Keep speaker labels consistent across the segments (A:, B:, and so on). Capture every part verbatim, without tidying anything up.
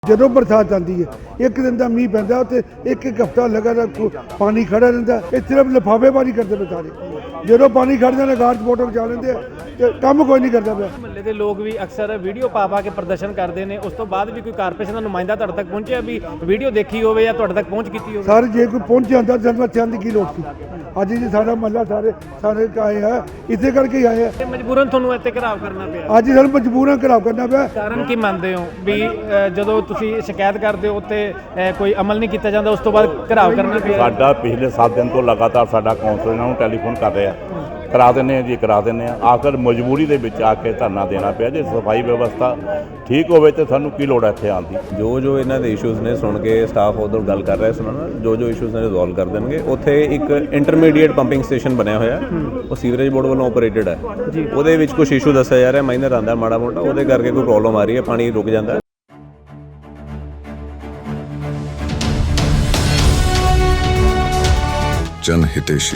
A: ਜਦੋਂ ਬਰਸਾਤ ਆਉਂਦੀ ਹੈ ਇੱਕ ਦਿਨ ਦਾ ਮੀਂਹ ਪੈਂਦਾ ਉੱਥੇ ਇੱਕ ਇੱਕ ਹਫ਼ਤਾ ਲਗਾਤਾਰ ਪਾਣੀ ਖੜਾ ਰਹਿੰਦਾ। ਇਹ ਸਿਰਫ ਲਿਫਾਫੇਬਾਜ਼ੀ ਕਰਦੇ ਪਏ ਸਾਰੇ। ਜਦੋਂ ਪਾਣੀ ਖੜ ਜਾਂਦਾ ਗਾਰਡ ਫੋਟੋ ਖਿਚਾ ਲੈਂਦੇ ਆ ਤੇ ਕੰਮ ਕੋਈ ਨਹੀਂ ਕਰਦਾ ਪਿਆ।
B: ਮਹੱਲੇ ਦੇ ਲੋਕ ਵੀ ਅਕਸਰ ਵੀਡੀਓ ਪਾ ਪਾ ਕੇ ਪ੍ਰਦਰਸ਼ਨ ਕਰਦੇ ਨੇ, ਉਸ ਤੋਂ ਬਾਅਦ ਵੀ ਕੋਈ ਕਾਰਪੋਰੇਸ਼ਨ ਦਾ ਨੁਮਾਇੰਦਾ ਤੁਹਾਡੇ ਤੱਕ ਪਹੁੰਚਿਆ ਵੀ ਵੀਡੀਓ ਦੇਖੀ ਹੋਵੇ ਜਾਂ ਤੁਹਾਡੇ ਤੱਕ ਪਹੁੰਚ ਕੀਤੀ ਹੋਵੇ?
A: ਸਰ ਜੇ ਕੋਈ ਪਹੁੰਚ ਜਾਂਦਾ ਜਨਮ ਚੰਦ ਕੀ ਲੋੜ ਸੀ। ਅੱਜ ਜੀ ਸਾਡਾ ਮਹੱਲਾ ਸਾਰੇ ਸਾਰੇ ਆਏ ਆ, ਇਸੇ ਕਰਕੇ ਹੀ ਆਏ ਆ।
B: ਤੇ ਮਜਬੂਰਨ ਤੁਹਾਨੂੰ ਇੱਥੇ ਘਰਾਵ ਕਰਨਾ ਪਿਆ।
A: ਅੱਜ ਸਾਨੂੰ ਮਜਬੂਰਾਂ ਘਰਾਵ ਕਰਨਾ ਪਿਆ।
B: ਕਾਰਨ ਕੀ ਮੰਨਦੇ ਹੋ ਵੀ ਅ, ਜਦੋਂ ਤੁਸੀਂ ਸ਼ਿਕਾਇਤ ਕਰਦੇ ਹੋ ਤੇ ਅ, ਕੋਈ ਅਮਲ ਨਹੀਂ ਕੀਤਾ ਜਾਂਦਾ, ਉਸ ਤੋਂ ਬਾਅਦ ਘਰਾਵ ਕਰਨਾ ਪਿਆ?
C: ਸਾਡਾ ਪਿਛਲੇ ਸੱਤ ਦਿਨ ਤੋਂ ਲਗਾਤਾਰ ਸਾਡਾ ਕੌਂਸਲਰ ਇਹਨਾਂ ਨੂੰ ਟੈਲੀਫੋਨ ਕਰ ਰਿਹਾ, ਕਰਾ ਦਿੰਦੇ ਆ ਜੀ ਕਰਾ ਦਿੰਦੇ ਆ। ਆਖਰ ਮਜਬੂਰੀ ਦੇ ਵਿੱਚ ਆ ਕੇ ਧਰਨਾ ਦੇਣਾ ਪਿਆ। ਜੇ ਸਫਾਈ ਵਿਵਸਥਾ ਠੀਕ ਹੋਵੇ ਤੇ ਸਾਨੂੰ ਕੀ ਲੋੜ ਹੈ ਇੱਥੇ ਆਉਣ ਦੀ।
D: ਜੋ ਜੋ ਇਹਨਾਂ ਦੇ ਇਸ਼ੂਜ਼ ਨੇ ਸੁਣ ਕੇ ਸਟਾਫ ਉਧਰ ਗੱਲ ਕਰ ਰਿਹਾ ਸੁਣਨਾ, ਜੋ ਜੋ ਇਸ਼ੂਜ਼ ਨੇ ਰਿਜ਼ੋਲਵ ਕਰ ਦੇਣਗੇ। ਉੱਥੇ ਇੱਕ ਇੰਟਰਮੀਡੀਏਟ ਪੰਪਿੰਗ ਸਟੇਸ਼ਨ ਬਣਿਆ ਹੋਇਆ, ਉਹ ਸੀਵਰੇਜ ਬੋਰਡ ਵੱਲੋਂ ਆਪਰੇਟਡ ਹੈ। ਉਹਦੇ ਵਿੱਚ ਕੁਝ ਇਸ਼ੂ ਦੱਸਿਆ ਜਾ ਰਿਹਾ, ਮਾਈਨਰ ਆਉਂਦਾ ਮਾੜਾ ਮੋਟਾ, ਉਹਦੇ ਕਰਕੇ ਕੋਈ ਪ੍ਰੋਬਲਮ ਆ ਰਹੀ ਹੈ, ਪਾਣੀ ਰੁਕ ਜਾਂਦਾ।
E: जन हितेशी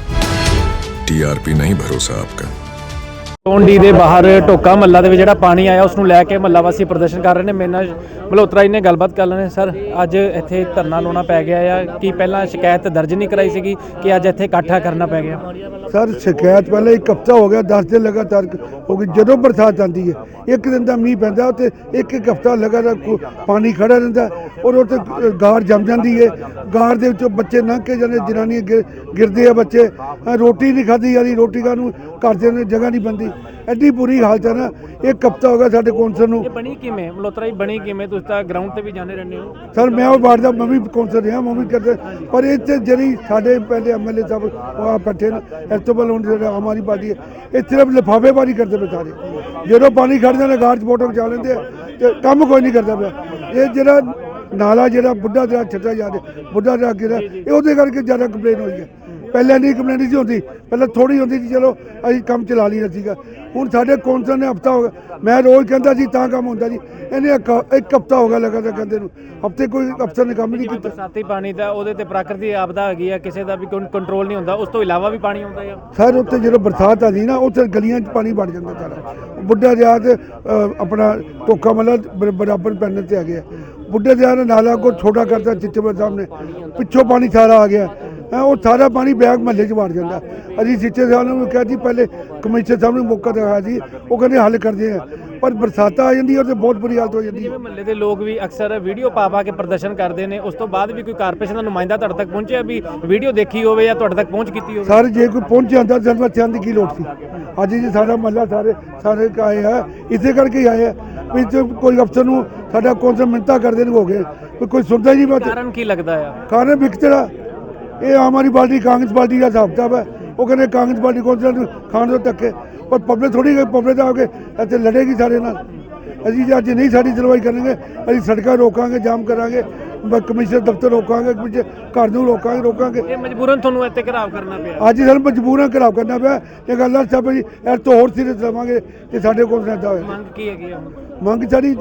E: टीआरपी नहीं भरोसा आपका।
B: ਟੋਂਡੀ ਦੇ ਬਾਹਰ ਢੋਕਾ ਮਹੱਲਾ ਦੇ ਵਿੱਚ ਜਿਹੜਾ ਪਾਣੀ ਆਇਆ ਉਸ ਨੂੰ ਲੈ ਕੇ ਮਹੱਲਾ ਵਾਸੀ ਪ੍ਰਦਰਸ਼ਨ ਕਰ ਰਹੇ ਨੇ। ਮੇਰੇ ਨਾਲ ਮਲਹੋਤਰਾ ਜੀ ਨੇ ਗੱਲਬਾਤ ਕਰ ਲੈਣੇ। ਸਰ ਅੱਜ ਇੱਥੇ ਧਰਨਾ ਲਾਉਣਾ ਪੈ ਗਿਆ ਆ ਕਿ ਪਹਿਲਾਂ ਸ਼ਿਕਾਇਤ ਦਰਜ ਨਹੀਂ ਕਰਾਈ ਸੀਗੀ ਕਿ ਅੱਜ ਇੱਥੇ ਇਕੱਠਾ ਕਰਨਾ ਪੈ ਗਿਆ?
A: ਸਰ ਸ਼ਿਕਾਇਤ ਪਹਿਲਾਂ ਇੱਕ ਹਫ਼ਤਾ ਹੋ ਗਿਆ, ਦਸ ਦਿਨ ਲਗਾਤਾਰ ਹੋ ਗਈ। ਜਦੋਂ ਬਰਸਾਤ ਆਉਂਦੀ ਹੈ ਇੱਕ ਦਿਨ ਦਾ ਮੀਂਹ ਪੈਂਦਾ ਉੱਥੇ ਇੱਕ ਇੱਕ ਹਫ਼ਤਾ ਲਗਾਤਾਰ ਪਾਣੀ ਖੜਾ ਰਹਿੰਦਾ ਔਰ ਉੱਥੇ ਗਾਰ ਜੰਮ ਜਾਂਦੀ ਹੈ। ਗਾਰ ਦੇ ਵਿੱਚੋਂ ਬੱਚੇ ਲੰਘ ਕੇ ਜਾਂਦੇ, ਜਨਾਨੀਆਂ ਗਿਰ ਗਿਰਦੇ ਆ ਬੱਚੇ। ਰੋਟੀ ਨਹੀਂ ਖਾਧੀ ਜਾਂਦੀ, ਰੋਟੀ ਖਾਣ ਨੂੰ ਘਰ ਦੇ ਨੇ ਜਗ੍ਹਾ ਨਹੀਂ ਬਣਦੀ। ਐਡੀ ਬੁਰੀ ਹਾਲਤ ਹੈ ਨਾ। ਇੱਕ ਹਫ਼ਤਾ ਹੋ ਗਿਆ ਸਾਡੇ ਕੌਂਸਲ ਨੂੰ।
B: ਇਹ ਬਣੀ ਕਿਵੇਂ ਮਲਹੋਤਰਾ ਜੀ, ਬਣੀ ਕਿਵੇਂ? ਤੁਸੀਂ ਤਾਂ ਗਰਾਊਂਡ ਤੇ ਵੀ ਜਾਂਦੇ ਰਹਿੰਦੇ ਹੋ।
A: ਸਰ ਮੈਂ ਉਹ ਵਾਰਡ ਦਾ ਮੈਂ ਵੀ ਕੌਂਸਲ ਰਿਹਾ, ਮੈਂ ਵੀ ਕਰਦੇ, ਪਰ ਇੱਥੇ ਜਿਹੜੀ ਸਾਡੇ ਪਹਿਲੇ ਐਮ ਐਲ ਏ ਸਾਹਿਬ ਉਹ ਆ ਬੈਠੇ ਨੇ, ਇਸ ਤੋਂ ਪਹਿਲਾਂ ਹੁਣ ਜਿਹੜਾ ਆਮ ਆਦਮੀ ਪਾਰਟੀ ਹੈ, ਇਹ ਸਿਰਫ ਲਿਫਾਫੇਬਾਜ਼ੀ ਕਰਦੇ ਪਏ ਸਾਰੇ। ਜਦੋਂ ਪਾਣੀ ਖੜ ਜਾਂਦਾ ਗਾਰਡ ਫੋਟੋ ਖਿਚਾ ਲੈਂਦੇ ਆ ਤੇ ਕੰਮ ਕੋਈ ਨਹੀਂ ਕਰਦਾ ਪਿਆ। ਇਹ ਜਿਹੜਾ ਨਾਲਾ ਜਿਹੜਾ ਬੁੱਢਾ ਦਰਿਆ ਛੱਡਿਆ ਜਾ ਰਿਹਾ, ਬੁੱਢਾ ਦਰਿਆ ਗਿਰਾ, ਇਹ ਉਹਦੇ ਕਰਕੇ ਜ਼ਿਆਦਾ ਕੰਪਲੇਨ ਹੋਈ ਹੈ। ਪਹਿਲਾਂ ਨਹੀਂ ਕੰਪਲੇਨ ਨਹੀਂ ਸੀ ਹੁੰਦੀ, ਪਹਿਲਾਂ ਥੋੜ੍ਹੀ ਹੁੰਦੀ ਸੀ, ਚਲੋ ਅਸੀਂ ਕੰਮ ਚਲਾ ਲਈਦਾ ਸੀਗਾ। ਹੁਣ ਸਾਡੇ ਕੌਂਸਲ ਨੇ ਹਫ਼ਤਾ ਹੋ ਗਿਆ, ਮੈਂ ਰੋਜ਼ ਕਹਿੰਦਾ ਸੀ ਤਾਂ ਕੰਮ ਹੁੰਦਾ ਜੀ, ਇਹਨੇ ਇੱਕ ਇੱਕ ਹਫ਼ਤਾ ਹੋ ਗਿਆ ਲਗਾਤਾਰ ਕਹਿੰਦੇ ਨੂੰ। ਹਫ਼ਤੇ ਕੋਈ ਅਫਸਰ ਨੇ ਕੰਮ ਨਹੀਂ ਕੀਤਾ।
B: ਬਰਸਾਤੀ ਪਾਣੀ ਦਾ ਉਹਦੇ ਤੇ ਪ੍ਰਾਕ੍ਰਿਤਿਕ ਆਪਦਾ ਹੈਗੀ ਆ, ਕਿਸੇ ਦਾ ਵੀ ਕੋਈ ਕੰਟਰੋਲ ਨਹੀਂ ਹੁੰਦਾ। ਉਸ ਤੋਂ ਇਲਾਵਾ ਵੀ ਪਾਣੀ ਆਉਂਦਾ ਆ
A: ਸਰ। ਉੱਥੇ ਜਦੋਂ ਬਰਸਾਤ ਆਉਂਦੀ ਨਾ ਉੱਥੇ ਗਲੀਆਂ 'ਚ ਪਾਣੀ ਵੜ ਜਾਂਦਾ ਸਾਰਾ। ਬੁੱਢਾ ਦਰਿਆ ਤੇ ਆਪਣਾ ਢੋਕਾ ਮਹੱਲਾ ਬਰਾਬਰ ਪੈਣ ਤੇ ਆ ਗਿਆ। ਬੁੱਢੇ ਦਰਿਆ ਨੇ ਨਾਲਾ ਕੋ ਛੋਟਾ ਕਰਤਾ ਚਿੱਚੇਪੁਰ ਸਾਹਿਬ ਨੇ, ਪਿੱਛੋਂ ਪਾਣੀ ਸਾਰਾ ਆ ਗਿਆ। ਉਹ ਸਾਰਾ ਪਾਣੀ ਬੈਗ ਮਹੱਲੇ 'ਚ ਵੜ ਜਾਂਦਾ। ਅਸੀਂ ਸਿੱਚੇ ਸਾਹਿਬ ਨੂੰ ਕਿਹਾ ਜੀ, ਪਹਿਲੇ ਕਮਿਸ਼ਨਰ ਸਾਹਿਬ ਨੂੰ ਮੌਕਾ ਦਿਖਾਇਆ ਸੀ, ਉਹ ਕਹਿੰਦੇ ਹੱਲ ਕਰਦੇ ਆ, ਪਰ ਬਰਸਾਤਾਂ ਆ ਜਾਂਦੀ ਹੈ ਤੇ ਬਹੁਤ ਬੁਰੀ ਹਾਲਤ ਹੋ ਜਾਂਦੀ ਹੈ।
B: ਜਿਵੇਂ ਮਹੱਲੇ ਦੇ ਲੋਕ ਵੀ ਅਕਸਰ ਵੀਡੀਓ ਪਾ ਪਾ ਕੇ ਪ੍ਰਦਰਸ਼ਨ ਕਰਦੇ ਨੇ, ਉਸ ਤੋਂ ਬਾਅਦ ਵੀ ਕੋਈ ਕਾਰਪੋਰੇਸ਼ਨ ਦਾ ਨੁਮਾਇੰਦਾ ਤੁਹਾਡੇ ਤੱਕ ਪਹੁੰਚਿਆ ਵੀ ਵੀਡੀਓ ਦੇਖੀ ਹੋਵੇ ਜਾਂ ਤੁਹਾਡੇ ਤੱਕ ਪਹੁੰਚ ਕੀਤੀ ਹੋਵੇ?
A: ਸਰ ਜੇ ਕੋਈ ਪਹੁੰਚ ਜਾਂਦਾ ਜਨਮ ਚੰਦ ਦੀ ਕੀ ਲੋੜ ਸੀ। ਅੱਜ ਜੀ ਸਾਡਾ ਮਹੱਲਾ ਸਾਰੇ ਸਾਰੇ ਆਏ ਆ, ਇਸੇ ਕਰਕੇ ਹੀ ਆਏ ਆ ਵੀ ਕੋਈ ਅਫਸਰ ਨੂੰ ਸਾਡਾ ਕੌਂਸਲ ਮਿੰਨਤਾਂ ਕਰਦੇ ਨੇ ਹੋ ਗਏ, ਕੋਈ ਸੁਣਦਾ ਹੀ ਨਹੀਂ ਬਾਤ।
B: ਕਾਰਨ ਕੀ ਲੱਗਦਾ ਆ?
A: ਕਾਰਨ ਵਿਕਤੜਾ ਇਹ ਆਮ ਆਦਮੀ ਪਾਰਟੀ ਕਾਂਗਰਸ ਪਾਰਟੀ ਦਾ ਹਿਸਾਬ ਕਿਤਾਬ ਹੈ। ਉਹ ਕਹਿੰਦੇ ਕਾਂਗਰਸ ਪਾਰਟੀ ਕੌਂਸਲਰ ਨੂੰ ਖਾਣ ਤੋਂ ਧੱਕੇ, ਪਰ ਪਬਲਿਕ ਥੋੜੀ ਪਬਲਿਕ ਦਾ ਆ ਕੇ ਇੱਥੇ ਲੜੇਗੀ ਸਾਡੇ ਨਾਲ। ਅਸੀਂ ਜੇ ਅੱਜ ਨਹੀਂ ਸਾਡੀ ਸੁਣਵਾਈ ਕਰਾਂਗੇ, ਅਸੀਂ ਸੜਕਾਂ ਰੋਕਾਂਗੇ, ਜਾਮ ਕਰਾਂਗੇ, ਕਮਿਸ਼ਨਰ ਦਫ਼ਤਰ ਰੋਕਾਂਗੇ, ਪਿੱਛੇ ਘਰ ਨੂੰ ਰੋਕਾਂਗੇ ਰੋਕਾਂਗੇ
B: ਇਹ ਮਜਬੂਰਨ ਤੁਹਾਨੂੰ ਇੱਥੇ ਘਰਾਵ ਕਰਨਾ ਪਿਆ।
A: ਅੱਜ ਸਾਨੂੰ ਮਜਬੂਰਾਂ ਘਰਾਵ ਕਰਨਾ ਪਿਆ। ਇਹ ਗੱਲ ਆ ਸਭ ਜੀ, ਇਸ ਤੋਂ ਹੋਰ ਸੀਰੀਅਸ ਲਵਾਂਗੇ ਕਿ ਸਾਡੇ ਕੋਲ ਰਹਿੰਦਾ ਹੋਵੇ।
B: ਮੰਗ ਕੀ ਹੈਗੀ ਆ?
A: ਮੰਗ ਸਾਡੀ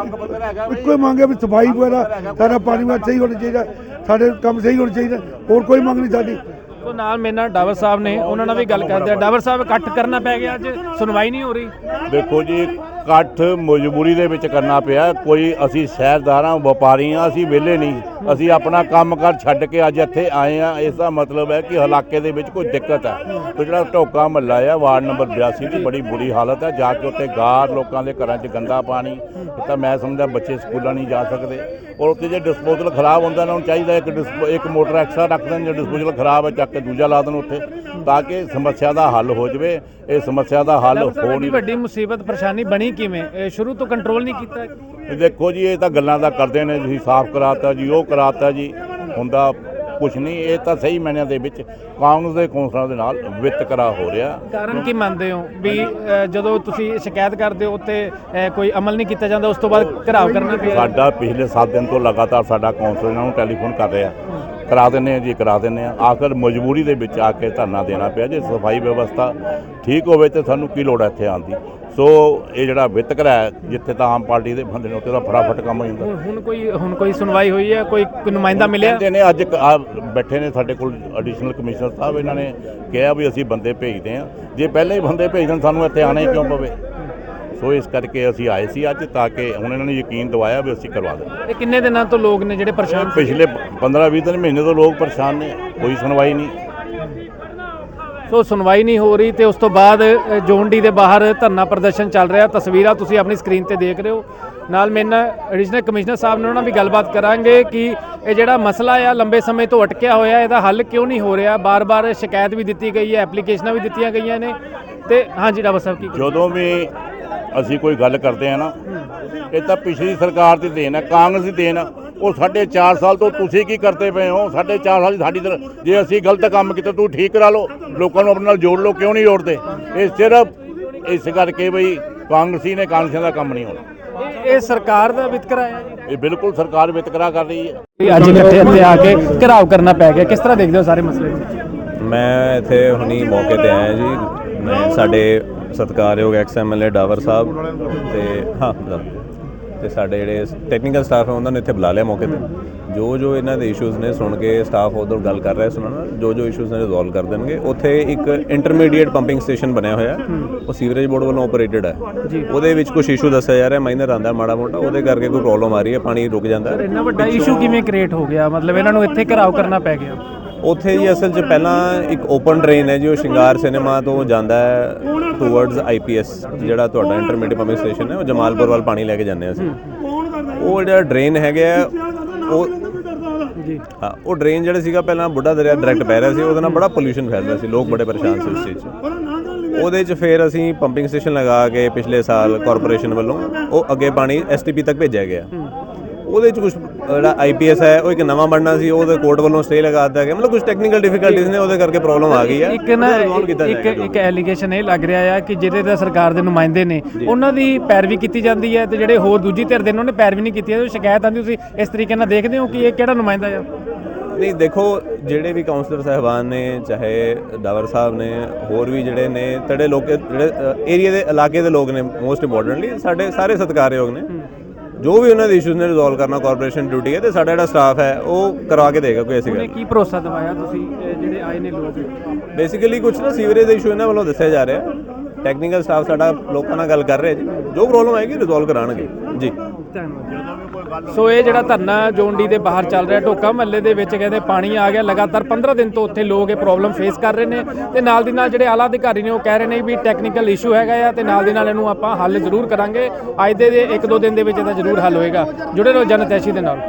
A: ਇੱਕੋ ਹੀ ਮੰਗ ਹੈ ਵੀ ਸਫਾਈ ਵਗੈਰਾ ਸਾਰਾ ਪਾਣੀ ਵਾਲਾ ਸਹੀ ਹੋਣਾ ਚਾਹੀਦਾ, ਸਾਡੇ ਕੰਮ ਸਹੀ ਹੋਣਾ ਚਾਹੀਦਾ, ਹੋਰ ਕੋਈ ਮੰਗ ਨਹੀਂ ਸਾਡੀ।
B: ਤੋਂ ਨਾਲ ਮੇਰੇ ਨਾਲ ਡਾਵਰ ਸਾਹਿਬ ਨੇ, ਉਹਨਾਂ ਨਾਲ ਵੀ ਗੱਲ ਕਰਦੇ ਆ। ਡਾਵਰ ਸਾਹਿਬ ਇਕੱਠ ਕਰਨਾ ਪੈ ਗਿਆ, ਅੱਜ ਸੁਣਵਾਈ ਨਹੀਂ ਹੋ ਰਹੀ।
C: ਦੇਖੋ ਜੀ, ਇਕੱਠ ਮਜਬੂਰੀ ਦੇ ਵਿੱਚ ਕਰਨਾ ਪਿਆ। ਕੋਈ ਅਸੀਂ ਸ਼ਹਿਰਦਾਰਾਂ ਵਪਾਰੀ ਹਾਂ, ਅਸੀਂ ਵਿਹਲੇ ਨਹੀਂ। ਅਸੀਂ ਆਪਣਾ ਕੰਮ ਕਾਰ ਛੱਡ ਕੇ ਅੱਜ ਇੱਥੇ ਆਏ ਆ। ਇਸ ਦਾ ਮਤਲਬ ਹੈ ਕਿ ਇਲਾਕੇ ਦੇ ਵਿੱਚ ਕੋਈ ਦਿੱਕਤ ਹੈ। ਤੇ ਜਿਹੜਾ ਢੋਕਾ ਮਹੱਲਾ ਆ ਵਾਰਡ ਨੰਬਰ ਬਿਆਸੀ ਦੀ ਬੜੀ ਬੁਰੀ ਹਾਲਤ ਹੈ। ਜਾ ਕੇ ਉੱਥੇ ਗਾਰ, ਲੋਕਾਂ ਦੇ ਘਰਾਂ 'ਚ ਗੰਦਾ ਪਾਣੀ, ਤਾਂ ਮੈਂ ਸਮਝਦਾ ਬੱਚੇ ਸਕੂਲਾਂ ਨਹੀਂ ਜਾ ਸਕਦੇ। ਔਰ ਉੱਥੇ ਜੇ ਡਿਸਪੋਜ਼ਲ ਖਰਾਬ ਹੁੰਦਾ, ਉਹਨਾਂ ਨੂੰ ਚਾਹੀਦਾ ਇੱਕ ਡਿਸਪੋ ਇੱਕ ਮੋਟਰ ਐਕਸਟਰਾ ਰੱਖ ਦੇਣ। ਜੇ ਡਿਸਪੋਜ਼ਲ ਖਰਾਬ ਹੈ ਚੱਕ ਕੇ ਦੂਜਾ ਲਾ ਦੇਣ ਉੱਥੇ, ਤਾਂ ਕਿ ਸਮੱਸਿਆ ਦਾ ਹੱਲ ਹੋ ਜਾਵੇ। ਇਹ ਸਮੱਸਿਆ ਦਾ ਹੱਲ ਹੋ ਨਹੀਂ।
B: ਵੱਡੀ ਮੁਸੀਬਤ ਪਰੇਸ਼ਾਨੀ ਬਣੀ ਕਿਵੇਂ? ਇਹ ਸ਼ੁਰੂ ਤੋਂ ਕੰਟਰੋਲ ਨਹੀਂ ਕੀਤਾ?
C: ਦੇਖੋ ਜੀ, ਇਹ ਤਾਂ ਗੱਲਾਂ ਦਾ ਕਰਦੇ ਨੇ, ਤੁਸੀਂ ਸਾਫ਼ ਕਰਾਤਾ ਜੀ, ਉਹ ਕਰਾਤਾ ਜੀ, ਹੁੰਦਾ ਕੁਛ ਨਹੀਂ। ਇਹ ਤਾਂ ਸਹੀ ਮਾਇਨਿਆਂ ਦੇ ਵਿੱਚ ਕਾਂਗਰਸ ਦੇ ਕੌਂਸਲਰਾਂ ਦੇ ਨਾਲ ਵਿਤਕਰਾ ਹੋ ਰਿਹਾ।
B: ਕਾਰਨ ਕੀ ਮੰਨਦੇ ਹੋ ਵੀ ਅ, ਜਦੋਂ ਤੁਸੀਂ ਸ਼ਿਕਾਇਤ ਕਰਦੇ ਹੋ ਤੇ ਅ, ਕੋਈ ਅਮਲ ਨਹੀਂ ਕੀਤਾ ਜਾਂਦਾ, ਉਸ ਤੋਂ ਬਾਅਦ ਘਰਾਵ ਕਰਨਾ ਪਿਆ?
C: ਸਾਡਾ ਪਿਛਲੇ ਸੱਤ ਦਿਨ ਤੋਂ ਲਗਾਤਾਰ ਸਾਡਾ ਕੌਂਸਲਰ ਇਹਨਾਂ ਨੂੰ ਟੈਲੀਫੋਨ ਕਰ ਰਿਹਾ, ਕਰਾ ਦਿੰਦੇ ਆ ਜੀ ਕਰਾ ਦਿੰਦੇ ਆ। ਆਖਰ ਮਜਬੂਰੀ ਦੇ ਵਿੱਚ ਆ ਕੇ ਧਰਨਾ ਦੇਣਾ ਪਿਆ। ਜੇ ਸਫਾਈ ਵਿਵਸਥਾ ਠੀਕ ਹੋਵੇ ਤੇ ਸਾਨੂੰ ਕੀ ਲੋੜ ਹੈ ਇੱਥੇ ਆਉਣ ਦੀ। ਸੋ ਇਹ ਜਿਹੜਾ ਵਿਤਕਰਾ ਹੈ, ਜਿੱਥੇ ਤਾਂ ਆਮ ਪਾਰਟੀ ਦੇ ਬੰਦੇ ਨੇ ਉੱਥੇ ਤਾਂ ਫਟਾਫਟ ਕੰਮ ਹੋ ਜਾਂਦਾ।
B: ਹੁਣ ਕੋਈ ਹੁਣ ਕੋਈ ਸੁਣਵਾਈ ਹੋਈ ਹੈ? ਕੋਈ ਨੁਮਾਇੰਦਾ ਮਿਲਿਆ?
C: ਕਹਿੰਦੇ ਨੇ ਅੱਜ ਆ ਬੈਠੇ ਨੇ ਸਾਡੇ ਕੋਲ ਐਡੀਸ਼ਨਲ ਕਮਿਸ਼ਨਰ ਸਾਹਿਬ, ਇਹਨਾਂ ਨੇ ਕਿਹਾ ਵੀ ਅਸੀਂ ਬੰਦੇ ਭੇਜਦੇ ਹਾਂ। ਜੇ ਪਹਿਲਾਂ ਹੀ ਬੰਦੇ ਭੇਜ ਦੇਣ, ਸਾਨੂੰ ਇੱਥੇ ਆਉਣਾ ਹੀ ਕਿਉਂ ਪਵੇ? ਸੋ ਇਸ ਕਰਕੇ ਅਸੀਂ ਆਏ ਸੀ ਅੱਜ, ਤਾਂ ਕਿ ਹੁਣ ਇਹਨਾਂ ਨੇ ਯਕੀਨ ਦਿਵਾਇਆ ਵੀ ਅਸੀਂ ਕਰਵਾ ਦੇਣਾ।
B: ਇਹ ਕਿੰਨੇ ਦਿਨਾਂ ਤੋਂ ਲੋਕ ਨੇ ਜਿਹੜੇ ਪਰੇਸ਼ਾਨ ਸੀ?
C: ਪਿਛਲੇ ਪੰਦਰਾਂ ਵੀਹ ਦਿਨ ਮਹੀਨੇ ਤੋਂ ਲੋਕ ਪਰੇਸ਼ਾਨ ਨੇ, ਕੋਈ ਸੁਣਵਾਈ ਨਹੀਂ।
B: ਸੋ ਸੁਣਵਾਈ ਨਹੀਂ ਹੋ ਰਹੀ ਤੇ ਉਸ ਤੋਂ ਬਾਅਦ ਅ, ਜੋਨ-ਡੀ ਦੇ ਬਾਹਰ ਧਰਨਾ ਪ੍ਰਦਰਸ਼ਨ ਚੱਲ ਰਿਹਾ। ਤਸਵੀਰਾਂ ਤੁਸੀਂ ਆਪਣੀ ਸਕਰੀਨ ਤੇ ਦੇਖ ਰਹੇ ਹੋ। ਨਾਲ ਮੇਰੇ ਨਾਲ ਐਡੀਸ਼ਨਲ ਕਮਿਸ਼ਨਰ ਸਾਹਿਬ ਨੇ, ਉਹਨਾਂ ਨਾਲ ਵੀ ਗੱਲਬਾਤ ਕਰਾਂਗੇ ਕਿ ਇਹ ਜਿਹੜਾ ਮਸਲਾ ਆ ਲੰਬੇ ਸਮੇਂ ਤੋਂ ਅਟਕਿਆ ਹੋਇਆ, ਇਹਦਾ ਹੱਲ ਕਿਉਂ ਨਹੀਂ ਹੋ ਰਿਹਾ। ਬਾਰ-ਬਾਰ ਸ਼ਿਕਾਇਤ ਵੀ ਦਿੱਤੀ ਗਈ ਹੈ, ਐਪਲੀਕੇਸ਼ਨਾਂ ਵੀ ਦਿੱਤੀਆਂ ਗਈਆਂ ਨੇ। ਤੇ ਹਾਂਜੀ ਡਾਕਟਰ ਸਾਹਿਬ ਕੀ
C: ਜਦੋਂ ਵੀ ਅਸੀਂ ਕੋਈ ਗੱਲ ਕਰਦੇ ਆ ਨਾ, ਇਹ ਤਾਂ ਪਿਛਲੀ ਸਰਕਾਰ ਦੀ ਦੇਣ ਹੈ, ਕਾਂਗਰਸ ਦੀ ਦੇਣ ਹੈ। ਉਹ ਸਾਢੇ ਚਾਰ ਸਾਲ ਤੋਂ ਤੁਸੀਂ ਕੀ ਕਰਦੇ ਪਏ ਹੋ? ਸਾਢੇ ਚਾਰ ਸਾਲ ਸਾਡੀ ਤਰ੍ਹਾਂ ਜੇ ਅਸੀਂ ਗਲਤ ਕੰਮ ਕੀਤਾ ਤੂੰ ਠੀਕ ਕਰਾ ਲਓ, ਲੋਕਾਂ ਨੂੰ ਆਪਣੇ ਨਾਲ ਜੋੜ ਲਓ, ਕਿਉਂ ਨਹੀਂ ਜੋੜਦੇ? ਇਹ ਸਿਰਫ ਇਸ ਕਰਕੇ ਬਈ ਕਾਂਗਰਸੀ ਨੇ, ਕਾਂਗਰਸੀਆਂ ਦਾ ਕੰਮ ਨਹੀਂ ਹੋਣਾ।
B: ਇਹ ਸਰਕਾਰ ਦਾ ਵਿਤਕਰਾ ਹੈ ਜੀ?
C: ਇਹ ਬਿਲਕੁਲ ਸਰਕਾਰ ਵਿਤਕਰਾ ਕਰ ਰਹੀ ਹੈ।
B: ਅੱਜ ਇਕੱਠੇ ਇੱਥੇ ਆ ਕੇ ਘਿਰਾਓ ਕਰਨਾ ਪੈ ਗਿਆ, ਕਿਸ ਤਰ੍ਹਾਂ ਦੇਖਦੇ ਹੋ ਸਾਰੇ ਮਸਲੇ ਨੂੰ?
D: ਮੈਂ ਇੱਥੇ ਹੁਣੀ ਮੌਕੇ ਤੇ ਆਇਆ ਜੀ। ਮੈਂ ਸਾਡੇ ਸਤਿਕਾਰਯੋਗ ex M L A Dawar ਸਾਹਿਬ ਤੇ ਹਾਂ ਤੇ ਸਾਡੇ ਜਿਹੜੇ ਟੈਕਨੀਕਲ ਸਟਾਫ ਹੈ ਉਹਨਾਂ ਨੇ ਇੱਥੇ ਬੁਲਾ ਲਿਆ ਮੌਕੇ ਤੇ। ਜੋ ਜੋ ਇਹਨਾਂ ਦੇ ਇਸ਼ੂਜ਼ ਨੇ ਸੁਣ ਕੇ ਸਟਾਫ ਉਧਰ ਗੱਲ ਕਰ ਰਿਹਾ ਸੁਣਨ ਨਾਲ, ਜੋ ਜੋ ਇਸ਼ੂਜ਼ ਨੇ ਰਿਜ਼ੋਲਵ ਕਰ ਦੇਣਗੇ। ਉੱਥੇ ਇੱਕ ਇੰਟਰਮੀਡੀਏਟ ਪੰਪਿੰਗ ਸਟੇਸ਼ਨ ਬਣਿਆ ਹੋਇਆ, ਉਹ ਸੀਵਰੇਜ ਬੋਰਡ ਵੱਲੋਂ ਆਪਰੇਟਡ ਹੈ। ਉਹਦੇ ਵਿੱਚ ਕੁਝ ਇਸ਼ੂ ਦੱਸਿਆ ਜਾ ਰਿਹਾ, ਮਾਈਨਰ ਆਉਂਦਾ ਮਾੜਾ ਮੋਟਾ, ਉਹਦੇ ਕਰਕੇ ਕੋਈ ਪ੍ਰੋਬਲਮ ਆ ਰਹੀ ਹੈ, ਪਾਣੀ ਰੁਕ ਜਾਂਦਾ ਹੈ।
B: ਇੰਨਾ ਵੱਡਾ ਇਸ਼ੂ ਕਿਵੇਂ ਕ੍ਰੀਏਟ ਹੋ ਗਿਆ? ਮਤਲਬ ਇਹਨਾਂ ਨੂੰ ਇੱਥੇ ਘਿਰਾਓ ਕਰਨਾ ਪੈ ਗਿਆ?
D: ਉੱਥੇ ਜੀ ਅਸਲ 'ਚ ਪਹਿਲਾਂ ਇੱਕ ਓਪਨ ਡਰੇਨ ਹੈ ਜੀ, ਉਹ ਸ਼ਿੰਗਾਰ ਸਿਨੇਮਾ ਤੋਂ ਜਾਂਦਾ ਹੈ ਟੂਵਰਡਸ ਆਈ ਪੀ ਐਸ, ਜਿਹੜਾ ਤੁਹਾਡਾ ਇੰਟਰਮੀਡੀਏਟ ਪੰਪਿੰਗ ਸਟੇਸ਼ਨ ਹੈ, ਉਹ ਜਮਾਲਪੁਰ ਵੱਲ ਪਾਣੀ ਲੈ ਕੇ ਜਾਂਦੇ ਅਸੀਂ। ਉਹ ਜਿਹੜਾ ਡਰੇਨ ਹੈਗਾ ਉਹ
B: ਜੀ
D: ਹਾਂ, ਉਹ ਡਰੇਨ ਜਿਹੜਾ ਸੀਗਾ ਪਹਿਲਾਂ ਬੁੱਢਾ ਦਰਿਆ ਡਾਇਰੈਕਟ ਪੈ ਰਿਹਾ ਸੀ, ਉਹਦੇ ਨਾਲ ਬੜਾ ਪੋਲਿਊਸ਼ਨ ਫੈਲ ਰਿਹਾ ਸੀ, ਲੋਕ ਬੜੇ ਪਰੇਸ਼ਾਨ ਸੀ ਉਸ ਚੀਜ਼ 'ਚ। ਉਹਦੇ 'ਚ ਫਿਰ ਅਸੀਂ ਪੰਪਿੰਗ ਸਟੇਸ਼ਨ ਲਗਾ ਕੇ ਪਿਛਲੇ ਸਾਲ ਕਾਰਪੋਰੇਸ਼ਨ ਵੱਲੋਂ ਉਹ ਅੱਗੇ ਪਾਣੀ ਐਸ ਟੀ ਪੀ ਤੱਕ ਭੇਜਿਆ ਗਿਆ। ਉਹਦੇ 'ਚ ਕੁਝ ਜਿਹੜਾ ਆਈ ਪੀ ਐਸ ਹੈ ਉਹ ਇੱਕ ਨਵਾਂ ਬਣਨਾ ਸੀ, ਉਹਦੇ ਕੋਰਟ ਵੱਲੋਂ ਸਟੇ ਲਗਾ ਦਿੱਤਾ ਗਿਆ। ਮਤਲਬ ਕੁਝ ਟੈਕਨੀਕਲ ਡਿਫਿਕਲਟੀਜ਼ ਨੇ, ਉਹਦੇ ਕਰਕੇ ਪ੍ਰੋਬਲਮ ਆ ਗਈ ਹੈ।
B: ਇੱਕ ਨਾ ਇੱਕ ਇੱਕ ਐਲੀਗੇਸ਼ਨ ਇਹ ਲੱਗ ਰਿਹਾ ਆ ਕਿ ਜਿਹੜੇ ਦਾ ਸਰਕਾਰ ਦੇ ਨੁਮਾਇੰਦੇ ਨੇ ਉਹਨਾਂ ਦੀ ਪੈਰਵੀ ਕੀਤੀ ਜਾਂਦੀ ਹੈ ਤੇ ਜਿਹੜੇ ਹੋਰ ਦੂਜੀ ਧਿਰ ਦੇ ਨੇ ਉਹਨੇ ਪੈਰਵੀ ਨਹੀਂ ਕੀਤੀ। ਉਹ ਸ਼ਿਕਾਇਤ ਆਉਂਦੀ, ਤੁਸੀਂ ਇਸ ਤਰੀਕੇ ਨਾਲ ਦੇਖਦੇ ਹੋ ਕਿ ਇਹ ਕਿਹੜਾ ਨੁਮਾਇੰਦਾ ਆ?
D: ਨਹੀਂ ਦੇਖੋ, ਜਿਹੜੇ ਵੀ ਕਾਉਂਸਲਰ ਸਾਹਿਬਾਨ ਨੇ, ਚਾਹੇ ਡਾਵਰ ਸਾਹਿਬ ਨੇ, ਹੋਰ ਵੀ ਜਿਹੜੇ ਨੇ ਤੜੇ ਲੋਕ, ਜਿਹੜੇ ਏਰੀਆ ਦੇ ਇਲਾਕੇ ਦੇ ਲੋਕ ਨੇ, ਮੋਸਟ ਇੰਪੋਰਟੈਂਟਲੀ ਸਾਡੇ ਸਾਰੇ ਸਤਿਕਾਰਯੋਗ ਨੇ। ਜੋ ਵੀ ਉਹਨਾਂ ਦੇ ਇਸ਼ੂਜ਼ ਨੇ ਰਿਜ਼ੋਲਵ ਕਰਨਾ ਕਾਰਪੋਰੇਸ਼ਨ ਡਿਊਟੀ ਹੈ, ਤੇ ਸਾਡਾ ਜਿਹੜਾ ਸਟਾਫ ਹੈ ਉਹ ਕਰਵਾ ਕੇ ਦੇਗਾ। ਕੋਈ ਐਸੀ ਗੱਲ
B: ਕੀ ਭਰੋਸਾ ਦਿਵਾਇਆ ਤੁਸੀਂ ਜਿਹੜੇ ਆਏ ਨੇ ਲੋਕ?
D: ਬੇਸਿਕਲੀ ਕੁਝ ਨਾ ਸੀਵਰੇਜ ਦੇ ਇਸ਼ੂ ਇਹਨਾਂ ਵੱਲੋਂ ਦੱਸਿਆ ਜਾ ਰਿਹਾ। ਟੈਕਨੀਕਲ ਸਟਾਫ ਸਾਡਾ ਲੋਕਾਂ ਨਾਲ ਗੱਲ ਕਰ ਰਿਹਾ ਜੀ, ਜੋ ਪ੍ਰੋਬਲਮ ਆਏਗੀ ਰਿਜ਼ੋਲਵ ਕਰਾਉਣਗੇ ਜੀ।
B: ਸੋ ਇਹ ਜਿਹੜਾ ਧਰਨਾ ਜੋਨ-ਡੀ ਦੇ ਬਾਹਰ ਚੱਲ ਰਿਹਾ, ਢੋਕਾ ਮਹੱਲੇ ਦੇ ਵਿੱਚ ਕਹਿੰਦੇ ਪਾਣੀ ਆ ਗਿਆ ਲਗਾਤਾਰ ਪੰਦਰਾਂ ਦਿਨ ਤੋਂ ਉੱਥੇ ਲੋਕ ਇਹ ਪ੍ਰੋਬਲਮ ਫੇਸ ਕਰ ਰਹੇ ਨੇ। ਤੇ ਨਾਲ ਦੀ ਨਾਲ ਜਿਹੜੇ ਆਲਾ ਅਧਿਕਾਰੀ ਨੇ ਉਹ ਕਹਿ ਰਹੇ ਨੇ ਵੀ ਟੈਕਨੀਕਲ ਇਸ਼ੂ ਹੈਗਾ ਆ ਤੇ ਨਾਲ ਦੀ ਨਾਲ ਇਹਨੂੰ ਆਪਾਂ ਹੱਲ ਜ਼ਰੂਰ ਕਰਾਂਗੇ। ਅੱਜ ਦੇ ਇੱਕ ਦੋ ਦਿਨ ਦੇ ਵਿੱਚ ਇਹਦਾ ਜ਼ਰੂਰ ਹੱਲ ਹੋਏਗਾ। ਜੁੜੇ ਰਹੋ ਜਨਤੈਸ਼ੀ ਦੇ ਨਾਲ।